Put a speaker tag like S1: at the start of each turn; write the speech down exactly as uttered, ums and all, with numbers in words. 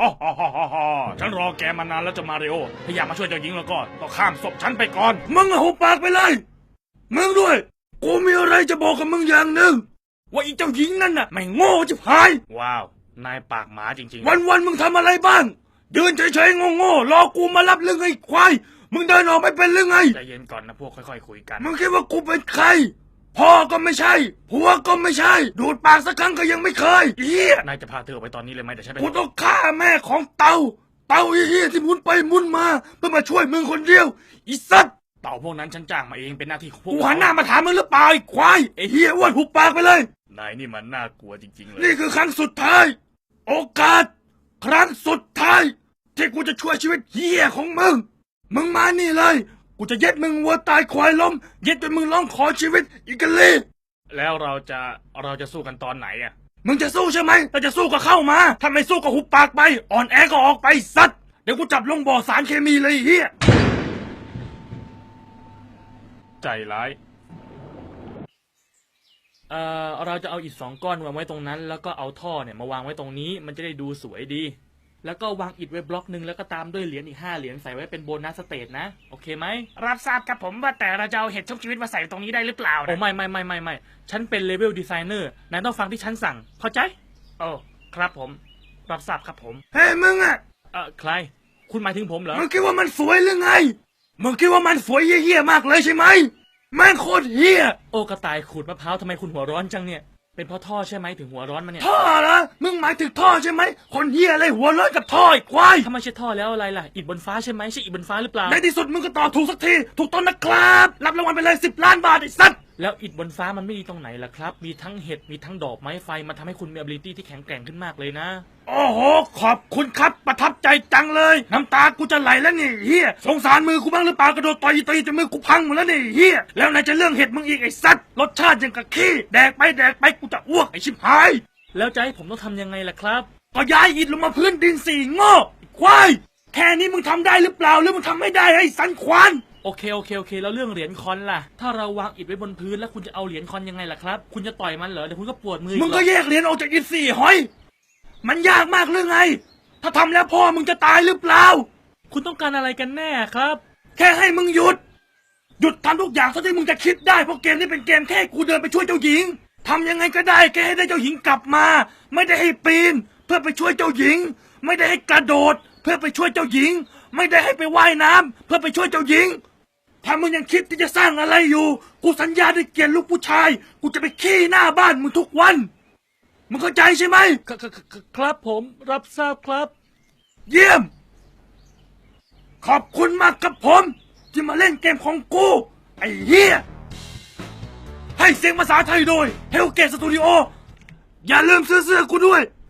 S1: ฮ่าฮ่าฮ่าฮ่าฮ่าฉันรอแกมานานแล้วจะมาริโอถ้าอยากมาช่วยเจ้าหญิงแล้วก็ก็ข้ามศพฉันไปก่อนมึงหุบปากไปเลยมึงด้วยกูมีอะไรจะบอกกับมึงอย่างหนึ่งว่าอีเจ้าหญิงนั่นน่ะไม่โง่จะพายว้าวนายปากหมาจริงๆวันวันๆมึงทำอะไรบ้างยืนเฉยๆโง่ๆรอกูมารับเรื่องไอ้ควายมึงเดินออกไม่เป็นเรื่องไงใจเย็นก่อนนะพวกค่อยๆคุยกันมึงคิดว่ากูเป็นใครพ่อก็ไม่ใช่ผัวก็ไม่ใช่ดูดปากสักครั้งก็ยังไม่เคยเฮียนายจะพาเธอไปตอนนี้เลยไหมแต่ฉันกูต้องฆ่าแม่ของเต่าเต่าเฮียที่หมุนไปหมุนมาเพื่อมาช่วยมึงคนเดียวอีสัตว์เต่าพวกนั้นฉันจ้างมาเองเป็นหน้าที่ของพวกกูหันหน้ามาถามมึงหรือเปล่าไอ้ควายไอ้เฮียอ้วนหุบปากไปเลยนายนี่มันน่ากลัวจริงๆเลยนี่คือครั้งสุดท้ายโอกาสครั้งสุดท้ายที่กูจะช่วยชีวิตเฮียของมึงมึงมานี่เลยกูจะเย็ดมึงวัวตายควายล้มเย็ดจนมึงร้องขอชีวิตอีกกันเลยแล้วเราจะเราจะสู้กันตอนไหนอ่ะมึงจะสู้ใช่ไหมถ้าจะสู้ก็เข้ามาถ้าไม่สู้ก็หุบปากไปอ่อนแอก็ออกไปสัตว์เดี๋ยวกูจับลงบ่อสารเคมีเลยเฮียใจร้ายเอ่อเราจะเอาอิฐสองก้อนวางไว้ตรงนั้นแล้วก็เอาท่อเนี่ยมาวางไว้ตรงนี้มันจะได้ดูสวยดีแล้วก็วางอิฐไว้บล็อกหนึ่งแล้วก็ตามด้วยเหรียญอีกห้าเหรียญใส่ไว้เป็นโบนัสสเตจนะโอเคไหมรับทราบครับผมว่าแต่เราจะเอาเห็ดชุบชีวิตมาใส่ตรงนี้ได้หรือเปล่าโอ้ไม่ไม่ไม่ไม่ไม่ฉันเป็นเลเวลดีไซเนอร์นายต้องฟังที่ฉันสั่งเข้าใจโอ้ครับผมรับทราบครับผมเฮ้ยมึงอะเออใครคุณหมายถึงผมเหรอมึงคิดว่ามันสวยหรือไงมึงคิดว่ามันสวยเหี้ยๆมากเลยใช่ไหมแม่งโคตรเหี้ยโอ้กระต่ายขูดมะพร้าวทำไมคุณหัวร้อนจังเนี่ยเป็นเพราะท่อใช่ไหมถึงหัวร้อนมาเนี่ยท่อเหรอมึงหมายถึงท่อใช่ไหมคนเหี้ยอะไรหัวร้อนกับท่อไอ้ควายถ้าไม่ใช่ท่อแล้วอะไรล่ะอิฐบนฟ้าใช่ไหมใช่อิฐบนฟ้าหรือเปล่าในที่สุดมึงก็ตอบถูกสักทีถูกต้นนะครับรับรางวัลไปเลยสิบล้านบาทไอ้สัตว์แล้วอิฐบนฟ้ามันไม่ดีตรงไหนล่ะครับมีทั้งเห็ดมีทั้งดอกไม้ไฟมันทำให้คุณมี ability ที่แข็งแกร่งขึ้นมากเลยนะโอ้โหขอบคุณครับประทับใจจังเลยน้ำตากูจะไหลแล้วนี่เฮียสงสารมือกูบ้างหรือเปล่ากระโดดต่อยตีจนมือกูพังหมดแล้วนี่เฮียแล้วไหนจะเรื่องเห็ดมึงอีกไอ้สัตว์รสชาติยังกะขี้แดกไปแดกไปกูจะอ้วกไอ้ชิบหายแล้วจะให้ผมต้องทำยังไงล่ะครับก็ย้ายอิฐลงมาพื้นดินสี่โง่ควายแค่นี้มึงทำได้หรือเปล่าหรือมึงทำไม่ได้ไอ้สันควานโอเคโอเคโอเคแล้วเรื่องเหรียญคอนล่ะถ้าเราวางอิฐไว้บนพื้นแล้วคุณจะเอาเหรียญคอนยังไงล่ะครับคุณจะต่อยมันเหรอเดี๋ยวคุณก็ปวดมือมึงก็แยกเหรียญออกจากอิฐสี่หอยมันยากมากหรือไงถ้าทำแล้วพ่อมึงจะตายหรือเปล่าคุณต้องการอะไรกันแน่ครับแค่ให้มึงหยุดหยุดทำทุกอย่างเท่าที่มึงจะคิดได้เพราะเกมนี้เป็นเกมแค่กูเดินไปช่วยเจ้าหญิงทำยังไงก็ได้แค่ให้ได้เจ้าหญิงกลับมาไม่ได้ให้ปีนเพื่อไปช่วยเจ้าหญิงไม่ได้ให้กระโดดเพื่อไปช่วยเจ้าหญิงไม่ได้ให้ไปว่ายน้ำเพื่อไปช่วยเจ้าหญิงถ้ามึงยังคิดที่จะสร้างอะไรอยู่กูสัญญาด้วยเกียรติลูกผู้ชายกูจะไปขี้หน้าบ้านมึงทุกวันมึงเข้าใจใช่ไหมครับผมรับทราบครับเยี่ยมขอบคุณมากครับผมที่มาเล่นเกมของกูไอ้เหี้ยให้เสียงภาษาไทยโดย Hellgate Studio อย่าลืมซื้อเสื้อกูด้วย